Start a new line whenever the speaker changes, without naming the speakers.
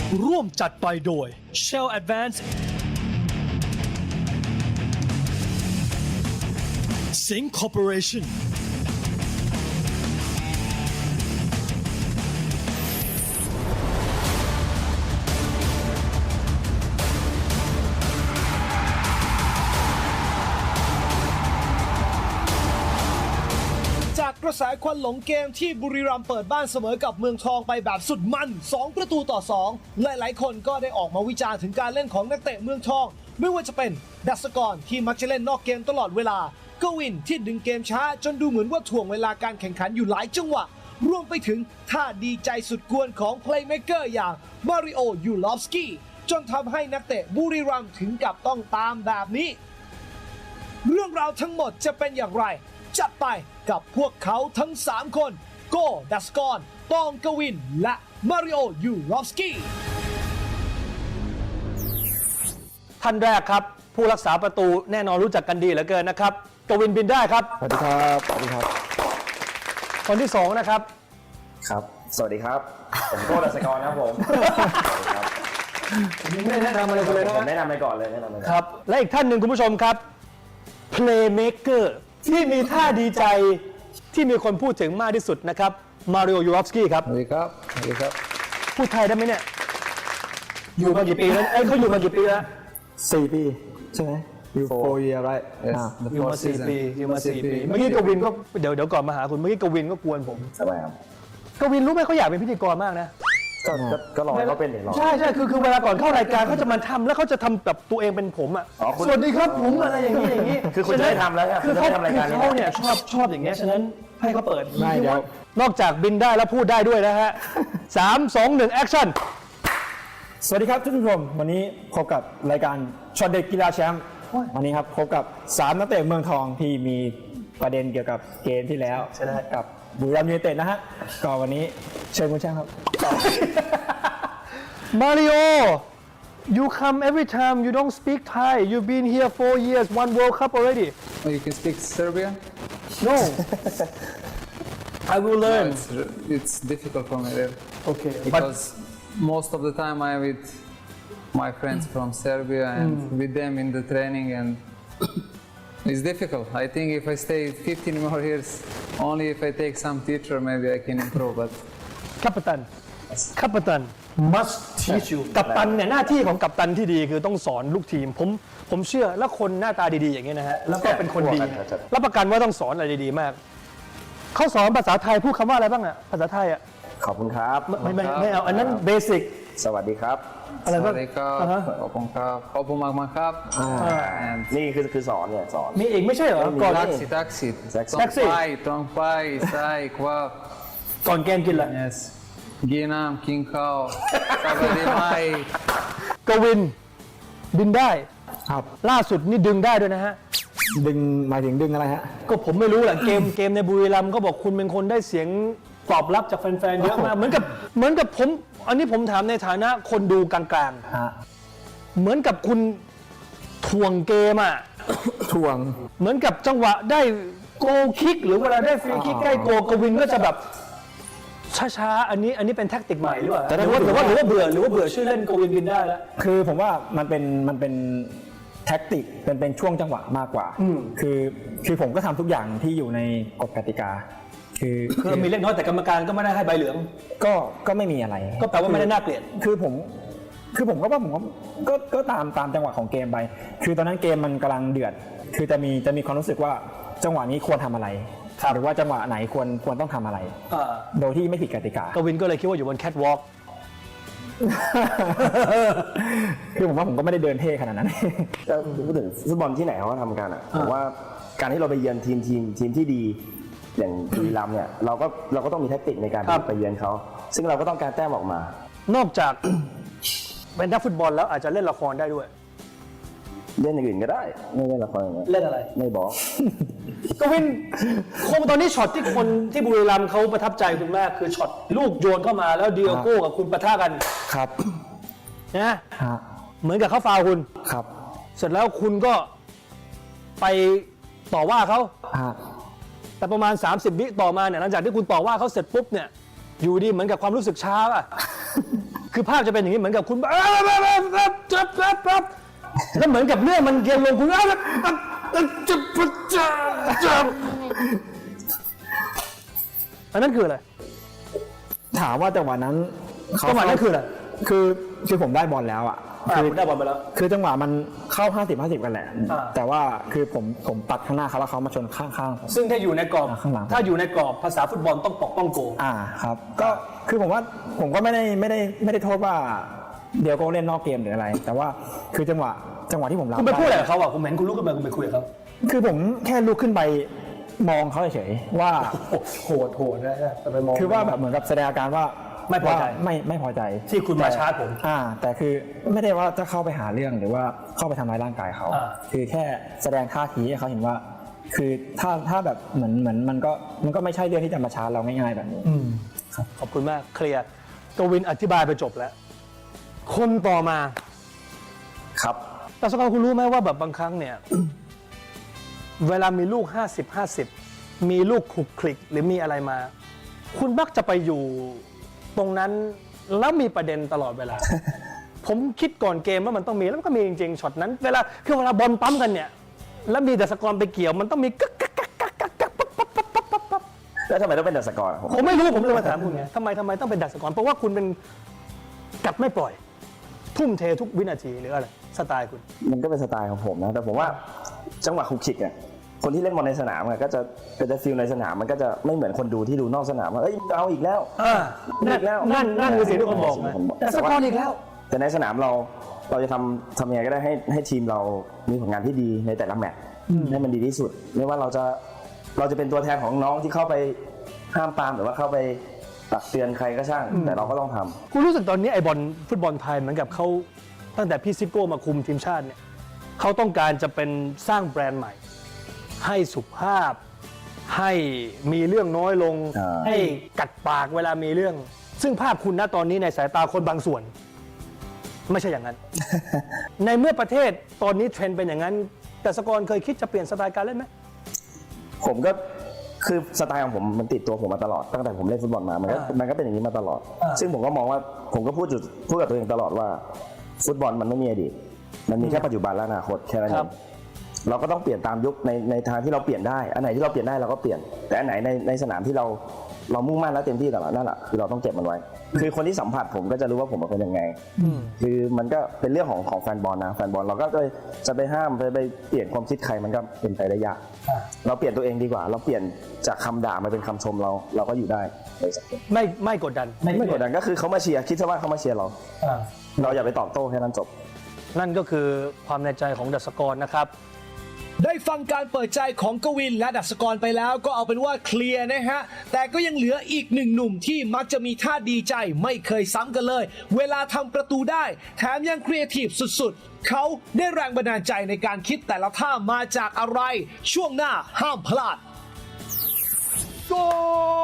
ร่วมจัดไปโดย Shell Advance Sync Corporation
จากกระแสควันหลงเกมที่บุรีรัมย์เปิดบ้านเสมอกับเมืองทองไปแบบสุดมัน 2-2 หลายๆคนก็ได้ออกมาวิจารณ์ถึงการเล่นของนักเตะเมืองทอง ไม่ว่าจะเป็นดัสกรที่มักจะเล่นนอกเกมตลอดเวลากวินที่ดึงเกมช้าจนดูเหมือนว่าถ่วงเวลาการแข่งขันอยู่หลายจังหวะ รวมไปถึงท่าดีใจสุดกวนของเพลย์เมเกอร์อย่างมาริโอ ยูลอฟสกี้จนทำให้นักเตะบุรีรัมย์ถึงกับต้องตามแบบนี้ เรื่องราวทั้งหมดจะเป็นอย่างไร จัดไปกับพวกเขาทั้ง 3 คน โกดัสกรตองกวิน และมาริโอ ยูรอฟสกี้
ท่านแรกครับ ผู้รักษาประตูแน่นอนรู้จักกันดีเหลือเกินนะครับกวินบินได้ครับ
สวัสดีครับสวัสดีครับ
คนที่ 2 นะครับ
ครับ สวัสดีครับ ผมโก้ดัชกรครับผม
ผมไม่ได้แนะนำอะไรกันเลยนะ
ผมแนะนำไปก่อนเลยแนะนำไปก่อน
ครับ และอีกท่านหนึ่งคุณผู้ชมครับ Playmaker ที่มีท่าดีใจที่มีคนพูดถึงมากที่สุดนะครับมาริโอ ยูรอฟสกี้ครับ
สวัสดีครับ สวัสดีครับ
พูดไทยได้ไหมเนี่ย อยู่มากี่ปีแล้วเขาอยู่มากี่ปีแล้ว
4 ปีใช่ไหม you 4 year right
Yes.
the
อยู่มา
fourth
4
season
ปีอยู่มา4 ปี เมื่อกี้กวินก็เดี๋ยวก่อนมาหาคุณเมื่อกี้กวินก็กวนผม
สบายครับ
กวินรู้ไหมเขาอยากเป็นพิธีกรมากนะ
ก็รอให้เขาเป็นเดี๋ยวรอ
ใช่คือเวลาก่อนเข้ารายการเขาจะมาทำแล้วเขาจะทำแบบตัวเองเป็นผมอ่ะ
อ๋อคุณ
สวัสดีครับผมอะไรอย่างนี้อย่างนี้
คือคุณจะได้ทำแล้วใช่ไหม
คือ
คุณจะได้ทำรายการนี้
เขาเนี่ยชอบอย่างเงี้ยฉะนั้นให้เขาเปิด
ไม่เดี๋ยว
นอกจากบินได้แล้วพูดได้ด้วยนะฮะ 3 2 1 แอคชั่น
สวัสดีครับท่านผู้ชมวันนี้พบกับรายการช็อตเด็ดกีฬาแชมป์วันนี้ครับพบกับ3นักเตะเมืองทองที่มีประเด็นเกี่ยวกับเกมที่แล้ว
ใช่ได้
กับบุรีรัมย์ยูไนเต็ดนะฮะก็วันนี้เชิญคุณแชมป์ครับ
Mario you come every time you don't speak Thai you've been here 4 years one World Cup already
Oh, you can speak Serbian?
no I will
No,
learn
it's difficult for me there
okay but
because most of the time I'm with my friends from Serbia and with them in the training and it's difficult. I think if I stay 15 more years, only if I take some teacher, maybe I can improve. But
กัปตัน กัปตัน must teach you กัปตันเนี่ยหน้าที่ของกัปตันที่ดีคือต้องสอนลูกทีม ผมเชื่อแล้วคนหน้าตาดีๆอย่างนี้ยนะฮะ แล้วก็เป็นคนดีเนี่ยรับประกันว่าต้องสอนอะไรดีๆมาก เขาสอนภาษาไทยพูดคำว่าอะไรบ้างอะภาษาไทยอะ
ขอบคุณครับ
ไม่เอาอันนั้นเบสิก
สวัสดีครับ
อะไรบ้าง
Sarikap,
อ่าฮะ
Opunkap, Opumakmakap, and
นี่คือสอนเนี่ยสอน
มีอีกไม่ใช่เหรอ ก่อน
taxi, taxi,
Taxi.
Tongpai, Sai, Kwap,
ก่อนเกมกินอะไร
yes, Ginam, King Kao, Sabadimai.
กวินบินได้
ครับ
ล่าสุดนี่ดึงได้ด้วยนะฮะ
ดึงหมายถึงดึงอะไรฮะ
ก็ผมไม่รู้แหละเกมในบุรีรัมย์เขาบอกคุณเป็นคนได้เสียงตอบรับจากแฟนๆเยอะมากเหมือนกับผมอันนี้ผมถามในฐานะคนดูกลาง
ฮะ
ๆ เหมือนกับคุณถ่วงเกมอ่ะ
ทวง
เหมือนกับจังหวะได้โกลคิก หรือเวลาได้ฟรีคิกใกล้โกลกวินก็จะแบบช้าๆอันนี้เป็นแท็กติกใหม่หรือเปล่าหรือว่าเบื่อชื่อเล่นกวินบินได้แล้ว
คือผมว่ามันเป็นแท็กติกเป็นช่วงจังหวะมากกว่า คือผมก็ทำทุกอย่างที่อยู่ในกฎกติกา
คือมีเล็กน้อยแต่กรรมการก็ไม่ได้ให้ใบเหลือง
ก็ไม่มีอะไร
ก็แปลว่าไม่ได้น่าเกลียด
คือผมก็ว่าผมก็ตามจังหวะของเกมไป คือตอนนั้นเกมมันกำลังเดือด คือจะมีความรู้สึกว่าจังหวะนี้ควรทำอะไร หรือว่าจังหวะไหนควรต้องทำอะไร โดยที่ไม่ผิดกติกา
กวินก็เลยคิดว่าอยู่บนแคทวอล์ก
คือผมว่าผมก็ไม่ได้เดินเท่ขนาดนั้น
ก็พูดถึงฟุตบอลที่ไหนเขาก็ทำกันอ่ะผมว่าการที่เราไปเยือนทีมที่ดีอย่างบุรีรัมย์เนี่ยเราก็ต้องมีแทคติกในการไปเยือนเขาซึ่งเราก็ต้องการแต้มออกมา
นอกจากเป็นนักฟุตบอลแล้วอาจจะเล่นละครได้ด้วย
เล่นอย่างอื่นก็ได้ไม่เล่นละครอย่างเงี้ย
เล่นอะไร
ไม่บอก
กวินคงตอนนี้ช็อตที่คนที่บุรีรัมย์เขาประทับใจคุณมากคือช็อตลูกโยนเข้ามาแล้วดิโอโก้กับคุณปะทะกัน
ครับ
นะ
ฮะ
เหมือนกับเขาฟาวล์คุณ
ครับ
เสร็จแล้วคุณก็ไปต่อว่าเขา
ฮะ
แต่ประมาณ 30 วิต่อมาเนี่ยหลังจากที่คุณต่อว่าเขาเสร็จปุ๊บเนี่ยอยู่ดีเหมือนกับความรู้สึกช้าป่ะคือภาพจะเป็นอย่างนี้เหมือนกับคุณแล้วเหมือนกับเรื่องมันเกียนลงคุณอันนั้นคืออะไร
ถามว่าจังหวะนั้น
จังหวะนั้นคืออะไร
คือผมได้บอลแล้วอ่ะ
คุณได้บอลไปแล้ว
คือจังหวะมันเข้า 50-50 กันแหละ
อ่า
แต่ว่าคือผมตัดข้างหน้าเขาแล้วเขามาชนข้างๆผม
ซึ่งถ้าอยู่ในกรอบ
ข้างหลัง
ถ้าอยู่ในกรอบภาษาฟุตบอลต้องปกป้องโก
ครับก็คือผมว่าผมก็ไม่ได้โทษว่าเดี๋ยวก็เล่นนอกเกมหรืออะไร แต่ว่าคือจังหวะที่ผมรับ
คุณไปพูดอะไรกับเขาอ่ะผมเห็นคุณลุกขึ้นมาคุณไปคุยกับเขา
คือผมแค่ลุกขึ้นไปมองเขาเฉยๆว่า
โหดนะแต่ไปมอง
คือว่าแบบเหมือนกับแสดงอาการว่า
ไม่พอใจ
ว่าไม่พอใจ
ที่คุณมาชาร์จผม
แต่คือไม่ได้ว่าจะเข้าไปหาเรื่องหรือว่าเข้าไปทำร้ายร่างกายเขา คือแค่แสดงท่าทีให้เขาเห็นว่า คือถ้าแบบเหมือนมันก็ไม่ใช่เรื่องที่จะมาชาร์จเราง่ายๆแบบนี้
ขอบคุณมากเคลียร์กวินอธิบายไปจบแล้ว คนต่อมา
ครับ
แต่สกอร์คุณรู้ไหมว่าแบบบางครั้งเนี่ย เวลามีลูก 50-50 มีลูกคลุกคลิกหรือมีอะไรมา คุณมักจะไปอยู่ตรงนั้นแล้วมีประเด็นตลอดเวลา ผมคิดก่อนเกมว่ามันต้องมีแล้วมันก็มีจริงๆช็อตนั้นเวลาบอลปั๊มกันเนี่ยแล้วมีแต่สกอร์ไปเกี่ยวมันต้องมีกึกกักกักกักกักกักปั๊บปั๊บปั๊บปั๊บปั๊บปั๊บ
แล้วทำไมต้องเป็นดัชกรอะ
ผมไม่รู้ผมเลยมาถามคุณไงทำไมต้องเป็นดัชกรเพราะว่าคุณเป็นกัดไม่ปล่อย ทุ่มเททุกวินาทีหรืออะไรสไตล์คุณ
มันก็เป็นสไตล์ของผมนะแต่ผมว่าจังหวะคุกคิกเนี่ยคนที่เล่นบอลในสนามก็จะฟีลในสนามมันก็จะไม่เหมือนคนดูที่ดูนอกสนามว่าเอ้ยเอาอีกแล้ว
นั่นคือสิ่งที่ผมบอกนะแต่สกอร์อีกแล้ว
แต่ในสนามเราจะทำยังไงก็ได้ให้ทีมเรามีผลงานที่ดีในแต่ละแมตช์ให้มันดีที่สุดไม่ว่าเราจะเป็นตัวแทนของน้องที่เข้าไปห้ามปรามหรือว่าเข้าไปตักเตือนใครก็ช่าง แต่เราก็ต้องทำ
คุณรู้สึกตอนนี้ไอ้บอลฟุตบอลไทยเหมือนกับเขาตั้งแต่พี่ซิโก้มาคุมทีมชาติเนี่ยเขาต้องการจะเป็นสร้างแบรนด์ใหม่ ให้สุภาพ ให้มีเรื่องน้อยลง ให้กัดปากเวลามีเรื่อง ซึ่งภาพคุณณตอนนี้ในสายตาคนบางส่วน ไม่ใช่อย่างนั้น ในเมื่อประเทศตอนนี้เทรนด์เป็นอย่างนั้น แต่สกอร์เคยคิดจะเปลี่ยนสไตล์การเล่นไหม
ผมก็คือสไตล์ของผมมันติดตัวผมมาตลอดตั้งแต่ผมเล่นฟุตบอลมามันก็เป็นอย่างนี้มาตลอด ซึ่งผมก็มองว่าผมก็พูดกับตัวเองตลอดว่าฟุตบอลมันไม่มีอดีตมันมีแค่ปัจจุบันและอนาคตแค่นั้นเองเราก็ต้องเปลี่ยนตามยุคในทางที่เราเปลี่ยนได้อันไหนที่เราเปลี่ยนได้เราก็เปลี่ยนแต่อันไหนในสนามที่เรามุ่งมั่นและเต็มที่ตลอดนั่นแหละคือเราต้องเก็บมันไว้คือคนที่สัมผัสผมก็จะรู้ว่าผมเป็นคนยังไงคือมันก็เป็นเรื่องของแฟนบอลนะแฟนบอลเราก็จะไปห้ามไปเปลี่ยนความคิดใครมันก็เป็นไปได้ยากเราเปลี่ยนตัวเองดีกว่าเราเปลี่ยนจากคำด่ามาเป็นคำชมเราก็อยู่ได้ในสังคม
ไม่กดดัน
ไม่กดดันก็คือเขามาเชียร์คิดซะว่าเขามาเชียร์เราอย่าไปตอบโต้แค่นั้นจบ
นั่นก็คือความในใจของดัชกรนะครับ
ได้ฟังการเปิดใจของกวินและดัชกรไปแล้วก็เอาเป็นว่าเคลียร์นะฮะแต่ก็ยังเหลืออีกหนึ่งหนุ่มที่มักจะมีท่าดีใจไม่เคยซ้ำกันเลย เวลาทำประตูได้แถมยังครีเอทีฟสุดๆเขาได้แรงบันดาลใจในการคิดแต่ละท่ามาจากอะไรช่วงหน้าห้ามพลาด
โกล